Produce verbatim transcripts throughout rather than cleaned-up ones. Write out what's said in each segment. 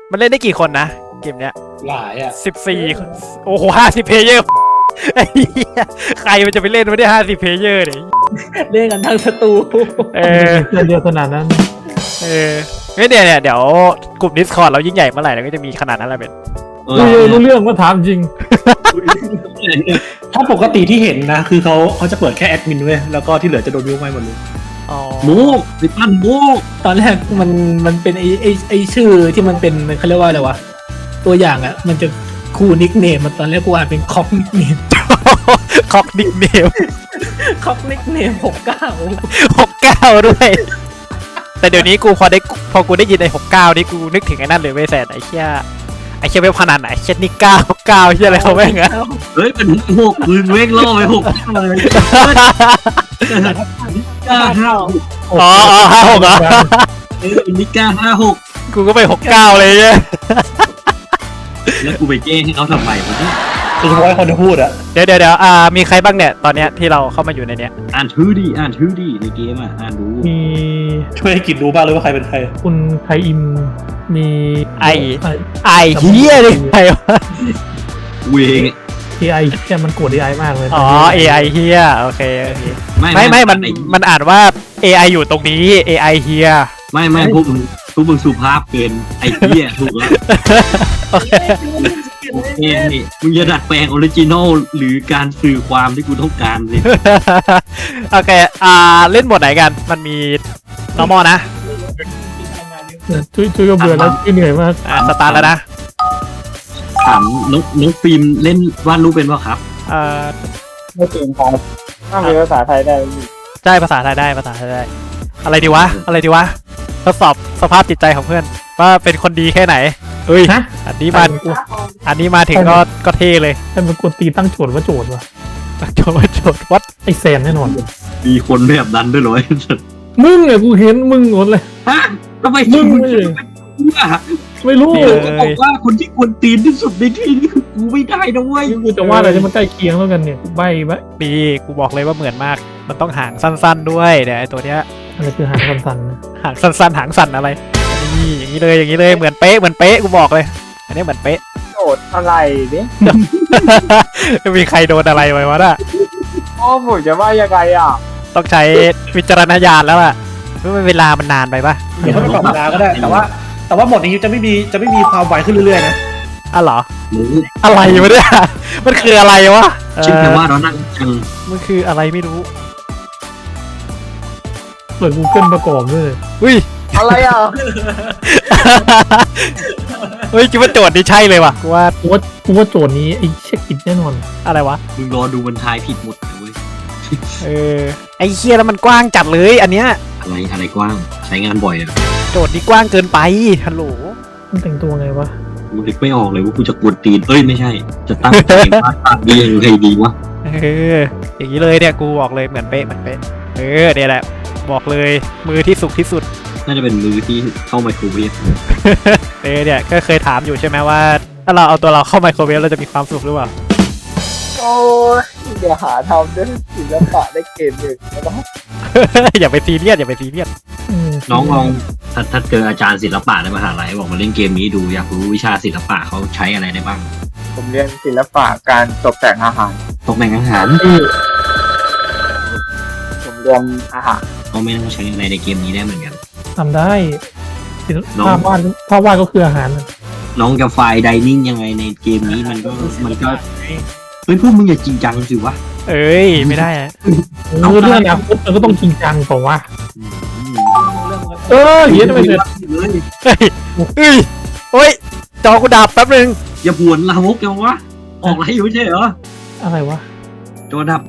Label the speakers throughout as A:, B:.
A: มันเล่นได้กี่คนนะเกมเนี้ย
B: หลายอ่ะ
A: สิบสี่โอ้โหห้าสิบเพลเยอร์ไอ้เหี้ยใครมันจะไปเล่นไม่ได้ห้าสิบเพลเยอร์เนี่ย
C: เล่นกันทั้งสตู
A: เออ
D: เดียวขนาดนั้น
A: เออไม่เดี๋ยวเนี่ยเดี๋ยวกลุ่ม Discord เรายิ่งใหญ่เมื่อไหร่เราก็จะมีขนาดนั้นแหละเป็น
E: เอ
D: รู้
E: อ
D: รู้เรื่องว่าถามจริง
B: ถ้าปกติที่เห็นนะคือเขาเขาจะเปิดแค่แอดมินเว้ยแล้วก็ที่เหลือจะโดนยุบไปหมดเลย
A: อ๋อ
E: มูกสิปั้นมูก
C: ตอนแรกมันมันเป็นไอไอไอชื่อที่มันเป็นเขาเรียกว่าอะไรวะตัวอย่างอ่ะมันจะคู่นิกเนมมันตอนแรกกูอ่านเป็นคอกนิกเนม
A: คอกนิกเนม
C: คอกนิกเนมหกเก้า
A: หกเก้าด้วย แต่เดี๋ยวนี้กูพอได้พอกูได้ยินไอ้หกเก้านี่กูนึกถึงไอ้นั่นเลยเว้ยแสนไอ้เชี่ยไอ้เชี่ยเว็บพนันไหนเชี่ยนี่เก้าเก้าเชี่ยอะไรเขาแม่งอะ
E: เฮ้ยเป็นหกมึงเว้งล่อไปหกเลยก้าห้าหก
A: อ๋ออ๋อห้าหกเหรอ
E: เออนิก้าห้าหก
A: กูก็ไปหกเก้าเลยเนี่ย
E: แล้วกูไปแก้ให้เขาทำไมวะเนี่ย
B: โดยเฉพาะคนที่พูดอ่ะ
A: เดี๋ยวเดี๋ยวเดี๋ยวอ่ามีใครบ้างเนี่ยตอนเนี้ยที่เราเข้ามาอยู่ในเนี้ย
E: อ่านชื่อดิอ่านชื่อดิในเกมอ่ะอ่านดู
D: มี
B: ช่วยให้กินรู้บ้างเลยว่าใครเป็นใคร
D: คุณไทอิมมี
A: ไอไอเฮียเลยใครวะ
E: เวง
D: เอไอแค่มันโกรธเอไอมากเลย
A: อ๋อ เอ ไอ เฮียโอเคโอเค
E: ไม่
A: ไม่ไม่มัน
E: อ้
A: มันอ่านว่า เอ ไอ อยู่ตรงนี้ เอ ไอ เฮีย
E: ไม่ไม่พวกมึงพวกมึงสุภาพเกินไอ้เหี้ยถูกแล้ว
A: โอเค
E: เอ้นี่มึงจะดัดแปลงออริจินอลหรือการสื่อความที่กูต้องการเลย
A: โอเคอ่าเล่นบทไหนกันมันมี normal นะ
D: เนี่ยช่วยช่วยก็เบื่อแล้วช่วยเหนื่อยมาก
A: อ่าสตาร์ทแล้วนะ
E: ถามน้องน้องฟิล์มเล่นวาดรูปเป็นป่ะครับ
A: เอ่อ
F: ไม่เก่งครับถ้ามีภาษาไทยได้
A: ได้ภาษาไทยได้ภาษาไทยได้ อะไรดีวะ อะไรดีวะทดสอบสภาพจิตใจของเพื่อน ว่าเป็นคนดีแค่ไหนเฮ้ย
D: ฮะ
A: อันนี้มาอันนี้มาถึงก็ก็เท่เลย
D: ให้มันกดตีตั้งโจทย์ว่าโจทย์วะ
A: โจทย์โจทย์วัด
D: ไอแซนแน่นอน
E: มีคนแบบนั้นด้วยเหรอ
D: มึงเนี่ยกูเห็นมึงหมดเลย
E: ฮะทำไม
D: มึ
E: มึ
D: ง
E: ง
D: เลย
E: อ่ะ
D: ไม่รู้
A: นี่
D: เล
A: เลย
E: ก็บอกว่าคนที่ควรตีนที่สุดในที่นี้คือกูไม่ได้นะเว้ย
D: กูจะว่าอะไรที่มันใกล้เคียงแล้วกันเนี่ยใบใบ
A: ดีกูบอกเลยว่าเหมือนมาก มันต้องหางสั้น ๆด้วยเดี๋ยวไอ้ตัวเนี้ย
D: อะไรคือหางสันๆนะ
A: หางสั้นๆหางสั่นอะไรนี่อย่างนี้เลยอย่างนี้เลยเหมือนเป๊ะเหมือนเป๊ะกูบอกเลย อันนี้เหมือนเป๊ะ
F: โจทย์อะไรเนี่ย
A: มีใครโดนอะไรไว้วะน่ะ
F: โอ้ผมจะว่ายังไงอ่ะ
A: ต้องใช้วิจารณญาณแล้วล่ะเพราะเวลามันนานไปปะ
B: เดี๋ยวเขาไปปรับเวลาก็ได้ แต่ว่า แต่ว่าหมดนี้จะไม่มีจะไม่มีความไวขึ้นเรื่อยๆนะ
A: อ่ะเหรอ
E: หรือ
A: อะไรวะเนี่ยมันคืออะไรวะ
E: ชื่อแปลว่า
A: เออ
E: เรานั่งจัง
A: มันคืออะไรไม่รู้
D: เปิด Google ประกอบด้วย
A: อุ้ย
F: อะไรอ่ะ
A: เฮ้ยคิดว่าโจทย์นี้ใช่เลยว่ะกูว่า
D: กูว่ากูว่าโจทย์นี้ไอ้เช็คอินแน่นอน
A: อะไรวะ
E: มึงรอดูมันทายผิดหมดเลยเว้ย
A: เออไอ้เคียแล้วมันกว้างจัดเลยอันเนี้ย
E: อะไรอะไรกว้างใช้งานบ่อยอ่ะ
A: โจทย์นี้กว้างเกินไปฮัลโหล
D: มันแต่งตัวไงวะ
E: กูนึกไม่ออกเลยว่ากูจะกวนตีนเอ้ยไม่ใช่ จะตั้งใจวาดภาพดียังไงดีวะ
A: เอออย่างนี้เลยเนี่ยกูบอกเลยเหมือนเป๊ะเหมือนเป๊ะเออเนี่ยแหละบอกเลยมือที่สุกที่สุด
E: น่าจะเป็นมือที่เข้าไมโครเวฟ
A: เออเนี่ยก็เคยถามอยู่ใช่ไหมว่า ถ้าเราเอาตัวเราเข้าไมโครเวฟเราจะมีความสุขหรือเปล่า
F: โอ้ยเดี๋ยวหาทำด้วยศิลปะได้เกมหนึ่งแล้วก็
A: อย่าไปซีเรียสอย่าไปซีเรียส
D: อืม
E: น้องลองถ้าถ้าเจออาจารย์ศิลปะในมหาลัยบอกมาเล่นเกมนี้ดูอยากรู้วิชาศิลปะเขาใช้อะไรได้บ้าง
F: ผมเรียนศิลปะการตกแต่งอาหาร
E: ตกแต่งอาหาร
F: ผมเรียนอาหาร
E: เขาไม่ต้องใช้อะไรในเกมนี้ได้เหมือนกัน
D: ทำได้
E: น้อง
D: ภาพวาดภาพวาดก็คืออาหารนะ
E: น้องจะไฟล์ไดนิ่งยังไงในเกมนี้มันก็มันก็เฮ้ยพวกมึงอย่าจริงจังสิวะ
A: เอ้ยไม่ได้อะ
D: เออเรื่องอนาคตมันก็ต้องจริงจังเปล่าวะ
E: อืม
D: เออเหี้ยทำไมเสร็จ
E: เลย
A: เฮ้ยเอ้ยโอ้ยจอกูดับแป๊บนึง
E: อย่าผวนลามกยังวะออกไรอยู่ไม่ใช่เหรอ
D: อะไรวะ
E: จอดับ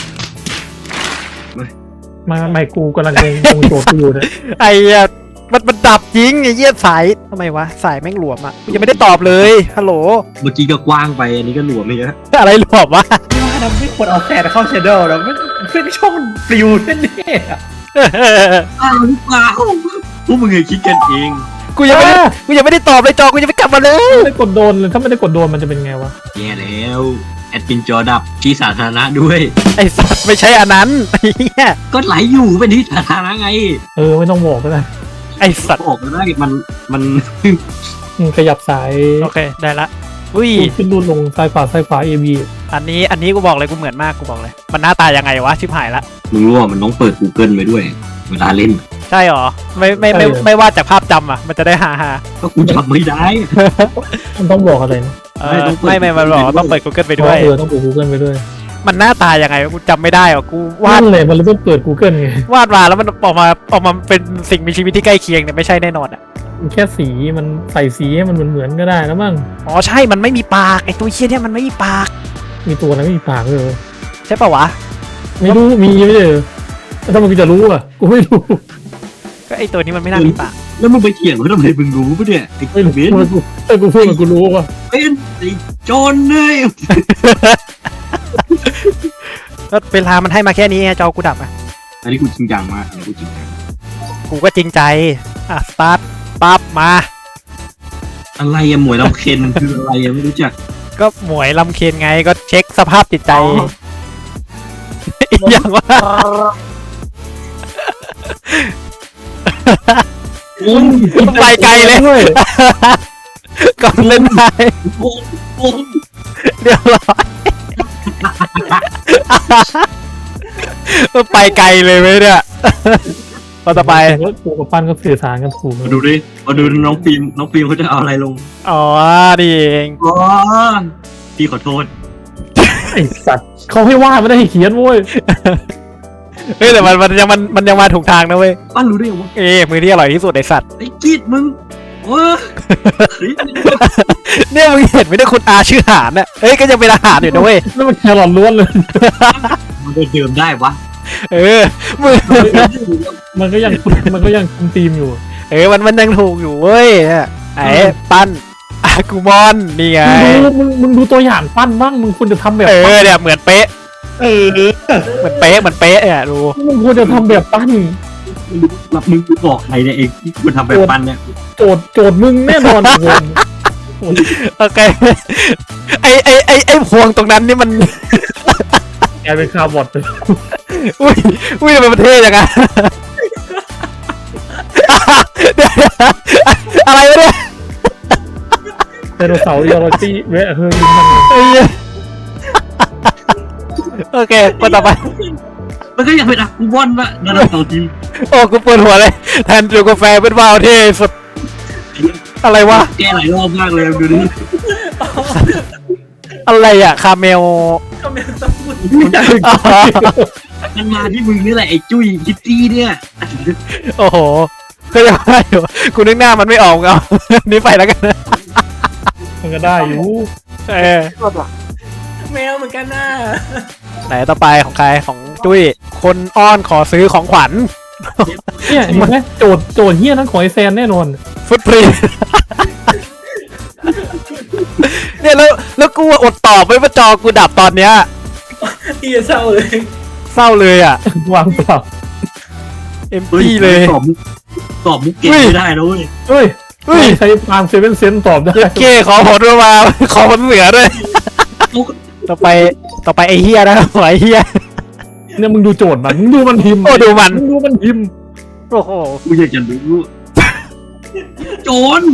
D: มาไม่กูกำลังงงโจทย์กูอยู่เนี่ย
A: ไอ้เหี้ยมันมันดับจริงไอ้เหี้ยสายทำไมวะสายแม่งหลวมอ่ะกูยังไม่ได้ตอบเลยฮัลโหล
E: เมื่อกี้ก็กว้างไปอันนี้ก็หลวมไปเยอะ
A: อะไรหลวมวะ
B: ว่าเราไม่ควรเอาแซนเข้าเชดเดอร์เราไม่เพื่อนช่องมันปลิวแน่ๆอะ
E: อ้าวหรือเปล่าพวกมึงเคยคิดกันเอง
A: กูยังไม่ได้กูยังไม่ได้ตอบเลยจอกูยังไม่กลับมาเลย
D: ไม่ได้กดโดนเลยถ้าไม่ได้กดโดนมันจะเป็นไงวะ
E: แย่แล้วแอดมินจอดับที่สาธารณะด้วย
A: ไอ้สัตว์ไม่ใช่อันนั้นไอ้เหี้ย
E: ก็ไหลอยู่เป็นที่สาธารณะไง
D: เออไม่ต้องบอกก็ได้
A: ไอ้สัตว์
E: บอกแล้วได้มันมัน
D: อืมขยับสาย
A: โอเคได้ละอุ้ย
D: ขึ้นรูดลงซ้ายขวาซ้ายขวา เอ บี
A: อันนี้อันนี้กูบอกเลยกูเหมือนมากกูบอกเลย มันหน้าตายังไงวะชิบหายละ
E: มึงรู้ว่ามันต้องเปิด Google ไปด้วย เวลาเล่น
A: ใช่หรอไม่ไม่ไม่ไม่ว่าจากภาพจำอ่ะมันจะได้ฮาฮา
E: ก็กูจำไม่ได้
D: มันต้องบอกอะไรนะ
A: เออไม่ไม่ไม่บอกว่าต้องเปิด Google ไปด้วย
D: เออต้องเปิด Google ไปด้วย
A: มันหน้าตายังไงวะกูจำไม่ได้หรอกูวา
D: นั่
A: ด
D: นเลยมันเลยต้องเปิด Google ไง
A: วาดมาแล้วมันออกมาออกมาเป็นสิ่งมีชีวิตที่ใกล้เคียงเนี่ยไม่ใช่แน่นอนอ่ะ
D: มันแค่สีมันใส่สีให้มันเหมือนๆก็ได้แล้วมั้ง
A: อ๋อใช่มันไม่มีปากไอตัวเชี่ยเนี่ยมันไม่มีปาก
D: มีตัวอะไรไม่มีปากเลย
A: ใช่ปะวะ
D: ไม่รู้มีไม่ใช่เหรอแล้วทำไมกูจะรู้อ่ะกูไม่รู้
A: ก็ไอตัวนี้มันไม่น่ามีปาก
E: แล้วมึงไปเถียงเขาทำไมมึงรู้ปะเนี่ยไอ้
D: ไม่รู้
E: เบน
D: กูเออกูพูดกับกูรู้ว่ะ
E: เป็นไอ้โจรเลย
A: ก็เวลามันให้มาแค่นี้ไงจอกูดับอ่ะ
E: อันนี้กูจริงจังมากอันนี้กูจริงจัง
A: กูก็จริงใจอ่ะสตาร์ทปั๊บมา
E: อะไรอะหมวยลำเค็นคืออะไรอะไม่รู้จัก
A: ก็หมวยลำเคนไงก็เช็คสภาพจิตใจ
E: อ๋อ
A: อีกอย่างว่า
E: โอ้ย
A: ไปไกลเลย
D: ด้วย
A: ก่อนเล่นได้
E: โอ้ยโอ้ย
A: เรียบร้อยไปไกลเลยไหมเนี่ยพอต่อไป
D: กูกับปั้นก็สื่อสารกันถูก
E: มาดูดิมาดูน้องฟิล์มน้องฟิล์มเขาจะเอาอะไรลง
A: อ๋อดีเอง
E: อ๋อพี่ขอโทษ
D: ไอสัตว์เขาให้วาดไม่ได้ให้เขียนเว้ย
A: เฮ้ยแต่มันมันยังมันมันยังมาถูกทางนะเว้ย
E: ป้ารู้ได้ยังวะ
A: เอ้มือที่อร่อยที่สุดในสัตว์
E: ไอ้กีดมึงโอ้ย
A: เนี่ยมึงเห็นไหมเนี่ยคุณอาชื่อหานน่ะเอ้ยก็ยังเป็นอาหารอยู่นะเว้ย
D: นั่นมันแครอทล้วนเลย
E: มันจะเดิมได้วะ
A: เออมือ
D: มันก็ยังมันก็ยังคุมทีมอยู่
A: เออมันมันยังถูกอยู่เว้ยเนี่ยไอ้ปั้นอากูมอนนี่ไง
D: มึงดูมึงมึงดูตัวอย่างปั้นบ้างมึงควรจะทำแบบ
A: เอ
D: ปั้
A: อน เนี่ยเหมือนเป๊ะ
B: เออ
A: เหมือนเป๊ะเหมือนเป๊ะเนี่ยดู
D: มึงควรจะทำแบบปั้น
E: รับมึงบอกใครเนี่ยเองที่คุณทำแบบปั้นเนี่ย
D: โจทย์โจทย์มึงแน่นอนโวน
A: โอเคไอไอไอไอพวงตรงนั้นนี่มัน
D: กลายเป็นคาร์บอทไป
A: อุ้ยอุ้ยทำไมมันเท่จังอะเดี๋ยวอะไรวะเนี่ย
D: ไดโนเสาร์ยอร์ตี้เวะเฮ้ยมัน
A: ไอ้เหี้ยโอเคคนต่อไป
E: มันก็ยังเป็นอะกูวอนวะนั่นเราทีม
A: โอ้กูปวดหัวเลยแทนจูกาแฟเป็นวาวเท่สุดอะไรวะ
E: แก้หลายรอบมากเลยดูดิ
A: อะไรอะคาเมล อ๋อ
E: มันมาที่มึงนี่แหละไอ้จุ้ยคิตตี้เนี่ย
A: โอ้โหก็ยังได้อยู่กูนึกหน้ามันไม่ออกเอา นี่ไปแล้วกันนะ
D: มันก็ได้อยู่
A: เออ
C: แมวเหมือนกันน่ะ
A: ไหนต่อไปของใครของจุ้ยคนอ้อนขอซื้อของขวัญ
D: เนี่ยเห็นไหมโจทย์โจทย์เฮี้ยนั้นของไอแซนแน่นอน
A: ฟุตพรีน เนี่ยแล้วแล้วกูอดตอบไม่ว่าจอกูดับตอนเนี้ย
C: พี่จะเศร้าเลย
A: เศร้าเลยอ่ะ
D: วางเปล่า
A: เอ็มพีเลย
E: ตอบมุกตอบมุกเก่งไม่ได้นะเว้ย
D: เฮ้ย
A: เฮ้ย
D: ใช้ฟาร์มเซเว่นเซนตอบได้
A: เย็ดเก้ขอผลมา ขอผลเสือด้วย ต่อไปต่อไปไอเฮียนะขอไอเฮีย
D: เนี่ยมึงดูโจทย์มันมึงดูมันพิมพ์
A: โอ้ดูมัน
D: มึงดูมันพิมพ์
A: โอ้โห
E: กูอยากจะรู้โจร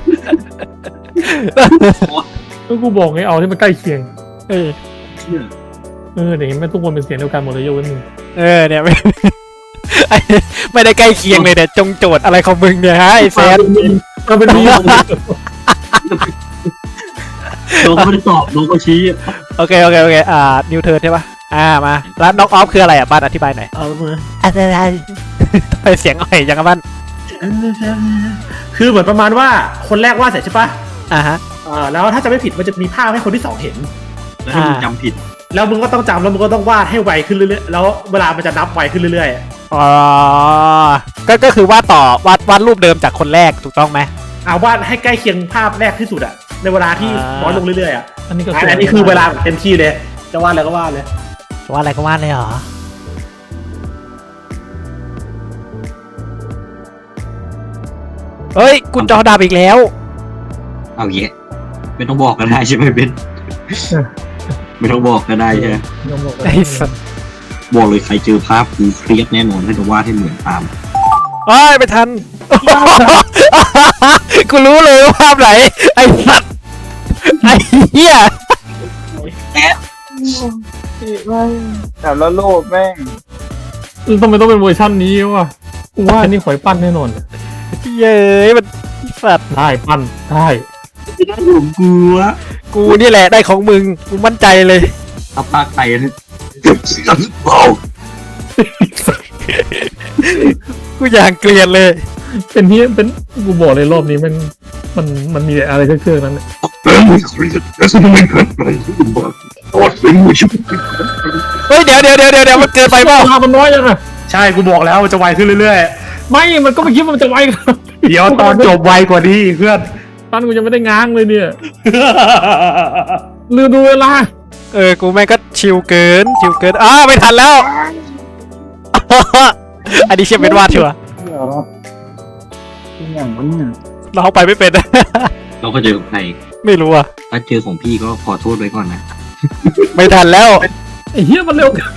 D: แล้วกูบอกไงเอาที่มันใกล้เคียง
A: เออ
D: เออเดี๋ยวแม่งทุกคนเป็นเสียงเดียวกันหมดเลยยกเว้นมึง
A: เออเนี่ย ไม่ไอ้ไม่ได้ใกล้เคียงเลยแต่จงโจทย์อะไรของมึงเนี่ยฮะไอแซน
D: มันเป็นมี
E: น้องเขาไม่ได้ตอบน้องเขาชี้
A: โอเคโอเคโอเคอ่านิวเทิร์นใช่ปะอ่ามาแล้วน็อกออฟคืออะไรอ่ะบ้านอธิบายหน่อย
B: เอามือ
A: อะไรทำไมเสียงอ่อยจังอะบ้าน
B: คือเหมือนประมาณว่าคนแรกวาดเสร็จใช่ปะ
A: อ่าฮะ
B: อ่าแล้วถ้าจะไม่ผิดมันจะมีภาพให้คนที่สองเห็น
E: แล้วถ้ามึงจำผิด
B: แล้วมึงก็ต้องจำแล้วมึงก็ต้องวาดให้ไวขึ้นเรื่อยๆแล้วเวลามันจะนับไวขึ้นเรื่อย
A: อ๋อก็ก็คือวาดต่อวาดวาดรูปเดิมจากคนแรกถูกต้องไหม
B: ๆอ่าวาดให้ใกล้เคียงภาพแรกที่สุดอะในเวลาที่
A: อ่า
B: น้อยลงเรื่อยๆอะ
D: อันนี้ก็
B: อันนี้คือเวลาเต็มที่เลย จะวาดอะไรก็วาดเลย
A: วาดอะไรก็วาดเลยเหรอเฮ้ยกุญจอดับอีกแล้ว
E: เอาเยอะไม่ต้องบอกก็ได้ใช่ไหมเบนไม่ต้องบอกก็ได้ใช่ไหม
D: ยอมบอกเลย
A: ไอ้สัส
E: บอกเลยใครเจอภาพกูเครียดแน่นอนถ้าจะวาดให้เหมือนตาม
A: โอ้ยไม่ทัน กูรู้เลยว่าภาพไหนไอ้สัตว์ไอ้เหี้ย
F: แต่ละโลกแม่ง
D: ทำไมต้องเป็นเวอร์ชันนี้วะกูว่าอันนี้ขอยปั้นแน่นอน
A: เย้ยมันไอ้สัตว์
D: ได้ปั้นได้
E: ไม่ได้ผมกลัว
A: กูนี่แหละได้ของมึงกูมั่นใจเลย
E: เอาปากไตเลยเสียงเบา
A: กูอย่างเกลียดเลย
D: เป็นที่เป็นกูบอกเลยรอบนี้มันมันมันมีอะไรเครื่องๆนั้น
E: เออไม่คุยกันแล้วสิ่งไม่เกิดอะไรที่บอกตอดเป็นมือชุบ
A: เฮ้ยเดี๋ยวเดี๋ยวเดี๋ยวเดี๋ยวมันเกินไปเปล่า
D: เวลามันน้อยยังอะ
B: ใช่กูบอกแล้วมันจะไวขึ้นเรื่อย
D: ไม่มันก็ไม่คิดว่ามันจะไวกัน
B: ๆ เดี๋ยวตอนจบไวกว่านี้เพื่อน
D: ปั้นกูยังไม่ได้ง้างเลยเนี่ยลืมดูเวลา
A: เออกูแม่งก็ชิวเกินชิวเกินอ้าไม่ทันแล้ว อันนี้เชื่อเป็นวาดชัวร์
F: เดี๋ยวเราอย่างนี้เนี่ย
A: เราไปไม่เป็น
E: เราก็เจอของใคร
A: ไม่รู้อ่ะ
E: ถ้าเจอของพี่ก็ขอโทษไว้ก่อนนะ
A: ไม่ทันแล้ว
D: ไอ้เหี้ยมันเร็วเกิน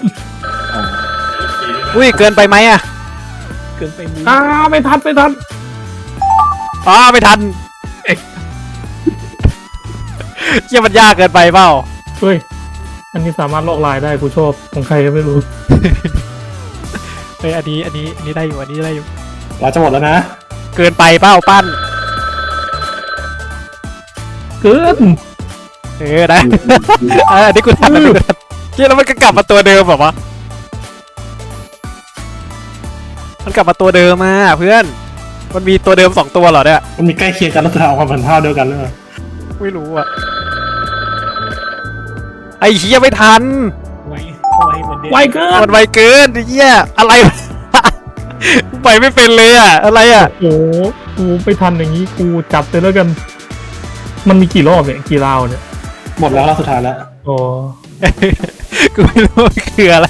A: อุ้ยเกินไปไหมอ่ะ
C: เกินไปมือ
D: อ้าไม่ทันไม่ทัน
A: อ๋อไม่ทันเชื่อมันยากเกินไปเปล่า
D: เฮ้ยอันนี้สามารถลอกลายได้กูชอบของใครก็ไม่รู้
A: เฮ้ยอันนี้อันนี้อันนี้ได้อยู่อันนี้ได้อยู่
B: เราจะหมดแล้วนะ
A: เกินไปเปล่าปั้น
D: เกิน
A: เออได้ เอออันนี้กูทันอันนี้กูทันเชื่อแล้วมันก็กลับมาตัวเดิมแบบวะมันกลับมาตัวเดิมมาเพื่อน มันมีตัวเดิมสองตัวเหรอเนี่ย
B: มันมีใกล้เคียงกันแล้วจะเอาความผันภาพเดียวกันเลย
A: ไม่รู้อ่ะไอ้เหี้ยไม่ทัน
C: ไว้ไว้เหมือนเดิม
D: ไวเกิน
A: มันไวเกินไอ้เหี้ยอะไรวะ ไปไม่เป็นเลยอ่ะอะไรอ่ะ
D: โอ้โหกูไปทันอย่างนี้กูจับเลยแล้วกัน มันมีกี่รอบเนี่ยกี่ราวเนี่ย
B: หมดแล้วรอบสุดท้ายแล้ว
D: อ๋อ
A: กูไม่รู้ว่าคืออะไร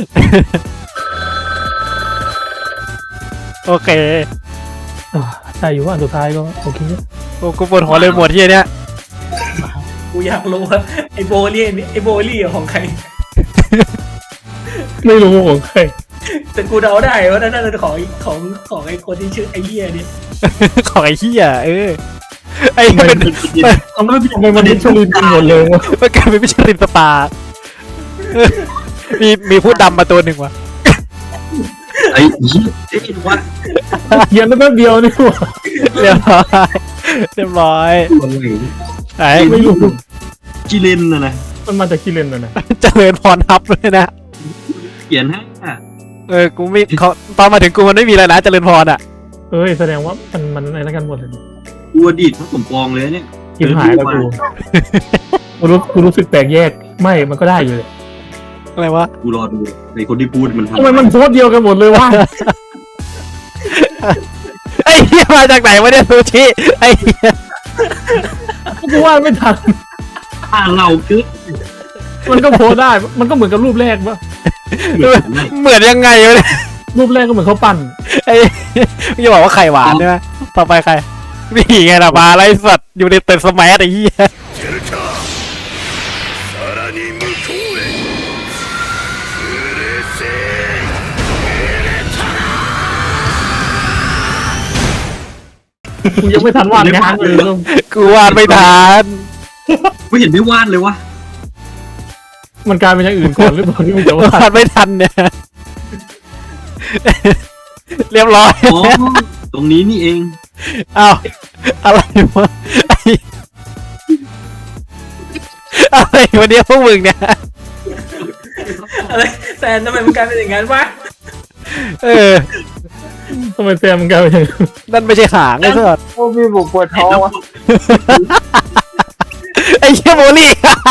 A: โอเค
D: อ่าใช่อยู่ว่าอันสุดท้ายก็โอเค
A: โอ้กูปวดหัวเลยหมดที่เนี้ย
C: กูอยากรู้ว่าไอโบลี่นี่ไอโบลี่ของใคร
D: ไม่รู้ของใคร
C: แต่กูเดาได้ว่านั่นเป็นของของของไอคนที่ชื่อไอเหี้ยเนี่ย
A: ของไอ้เหี้ยเออไอ้เป็น
D: ทำไมทำไมมันดิชลินกันหมดเลยวะ
A: มันกลายเป็นมิชลินสตาร์เออมีมีผู้ดำมาตัวหนึ่งว่ะ
E: ไอ้ยี่ไอ้ว่า
D: เขียนได้แป๊บเดียวนี่หว่า
A: เรียบร้อยเรียบร้อย
E: คนไหน
A: ไอ้
D: ไม่รู้
E: จิเลนนะนะ
D: มันมาจากกิเลนนะนะ
A: เจริญพรทับเลยนะ
E: เขียนให้อะ
A: เออกูไม่เขาตอนมาถึงกูมันไม่มีอะไรนะเจริญพรอ่ะ
D: เอ้ยแสดงว่ามันมันอะไรกันหมดเลย
E: กูอดีตพระสมปองเลยเนี่ย
D: กินหายแล้วกูกูรู้กูรู้สึกแปลกแยกไม่มันก็ได้อยู่เลย
A: อะไรวะ
E: กูรอดูในคนที่พูดมันทำ
D: ทำไมมันโพสต์เดียวกันหมดเลยวะ
A: ไอ้เหี้ยมาจากไหนวะเนี่ยซูชิไอ้เหี้ย
D: กูว่าไม่ทัน
E: อ่านเราคือ
D: มันก็โพสต์ได้ มันก็เหมือนกับรูปแรกปะ
A: เหมือนยังไงวะเนี่ย
D: รูปแรกก็เหมือนเขาปั้น
A: ไอ้มึงจะบอกว่าไข่หวานใช่ไหมต่อไปใครนี่ไงล่ะมาไรสัตว์อยู่ในเต็นสมัยไอ้เหี้ย
D: กูยังไม่ทันวาดงานเลย
A: กูวาดไม่ทัน
E: ไม่เห็นได้วาดเลยวะ
D: มันกลายเป็นอย่างอื่นก่อนหรือเปล่าที่มึงจะวาด
A: วาดไม่ทันเนี่ย เรียบร้อย
E: อ๋อตรงนี้นี่เอง
A: อ้าวอะไรวะไอ้อะไรวันนี้พวกมึงเนี่ย
C: อะไรแซนทำไมมันกลายเป็นอย่างนั้นวะ
A: เออ
D: ทำไมแซมมันกลายเป็นอย่างนั้น
A: นั่นไม่ใช่หางไอ้สัส
F: โอ้พี่บุกปวดท้องวะ
A: ไอ้เชี่ยโมลี่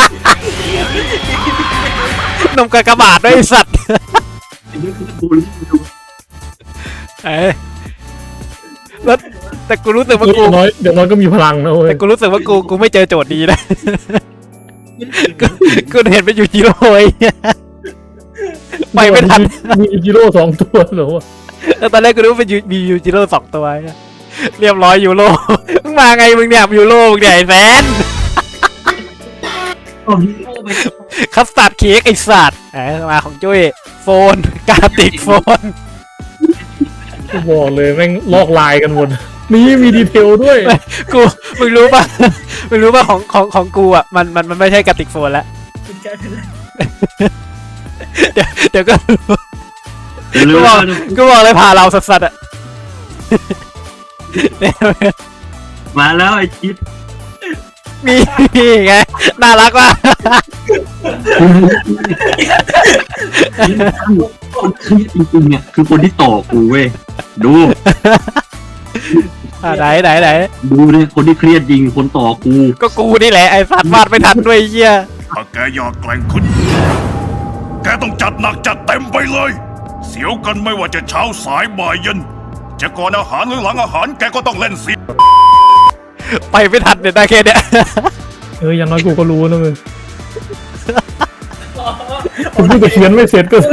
A: นมกากบาทด้วยไอ้สัตว์
E: ไอ้นี่คือบูลลี่
A: เอ้ยแล้วแต่กูรู้สึกว่า
D: เดี๋
A: กู
D: ยวน้อยเดี๋ยวน้อยก็มีพลังนะเว้ย
A: แต่กูรู้สึกว่ากูกูไม่เจอโจทย์ดีนะ กูกูเห็นเป็นยูจิโร่ไอ้เหี้ยไปไม่ทัน
D: มีจิโร่สองตัวเหรอวะ
A: แล้วตอนแรกกูนึกว่าเป็นยูมียูจิโร่สองตัวไอ้เหี้ยเรียบร้อยยูโรมึงมาไงมึงเนี่ยยูโรมึงเนี่ยไอ้แฟน
E: โอ้ฮีโร่ไป
A: คัสตาร์ดเค้กไอ้สัตว์แหมมาของจุ้ยโฟนการติกโฟน
D: กูบอกเลยแม่งลอกลายกันหมดนี่มีดีเทลด้วย
A: กูมึงรู้ป่ะ มึงรู้ป่ะของของของกูอ่ะมันมันมันไม่ใช่กระติกโฟนแล้ว
C: เป็นการเป็นไร
A: เดี๋ยวเดี๋ยวก็รู้
E: เดี๋ยว
A: กู
E: รู้
A: บอก
E: ว่า
A: กูบอกเลยพาเราสัสๆอ่ะ เนี่ย
E: มาแล้วไอ้จิ๊ด
A: มีมีไงน่ารักว่ะ
E: คนเครียดจริงๆเนี่ยคือคนที่ต่อกูเว้ยดู
A: อ่ะไหนไหนไหน
E: ดูเนี่ยคนที่เครียดจริงคนต่อกู
A: ก็กูนี่แหละไอ้สัตว์วาดไม่ทันด้วยไอ้เหี้ย
G: ถ้าแกอยากแกร่งขึ้น แกต้องจัดหนักจัดเต็มไปเลย เสียวกันไม่ว่าจะเช้าสายบ่ายเย็น จะก่อนอาหารหรือหลังอาหารแกก็ต้องเล่นเสีย
A: ไปไม่ทันเนี่ยได้แค่เนี้ย
D: เอออย่างน้อยกูก็รู้นะมึงผมพูดแต่เขียนไม่เสร็จก็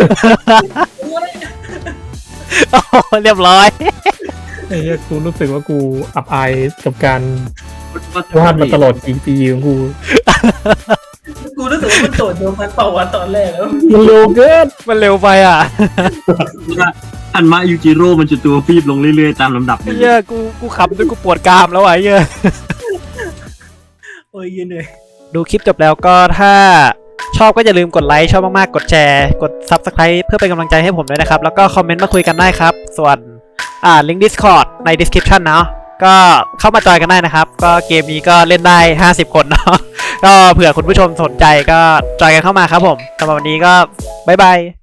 A: โอ้โหเรียบร้อย
D: ไอ้เหี้ยกูรู้สึกว่ากูอับอายกับการวาดมาตลอดกี่ปีของกู
C: กูรู้สึกว่ามันโจทย์เดียวกันเปล่าวะตอนแรกแล้ว
D: มันเร็วเกิน
A: มันเร็วไปอ่ะ
E: อันมายูจิโร่มันจะตัวฟีบลงเรื่อยๆตามลำดับ
A: ไอ้เหี้ยกูกูขำจนกูปวดกรามแล้วอ่ะไอ้เหี้ย
C: โอ้ยยืนเหนื่อย
A: ดูคลิปจบแล้วก็ถ้าชอบก็อย่าลืมกดไลค์ชอบมากๆกดแชร์กด ซับสไครบ์ เพื่อเป็นกำลังใจให้ผมด้วยนะครับ แล้วก็คอมเมนต์มาคุยกันได้ครับ ส่วนอ่าลิงก์ Discord ใน description เนาะก็เข้ามาจอยกันได้นะครับ ก็เกมนี้ก็เล่นได้ห้าสิบคนเนาะ ก็เผื่อคุณผู้ชมสนใจก็จอยกันเข้ามาครับผมสำหรับวันนี้ก็บ๊ายบาย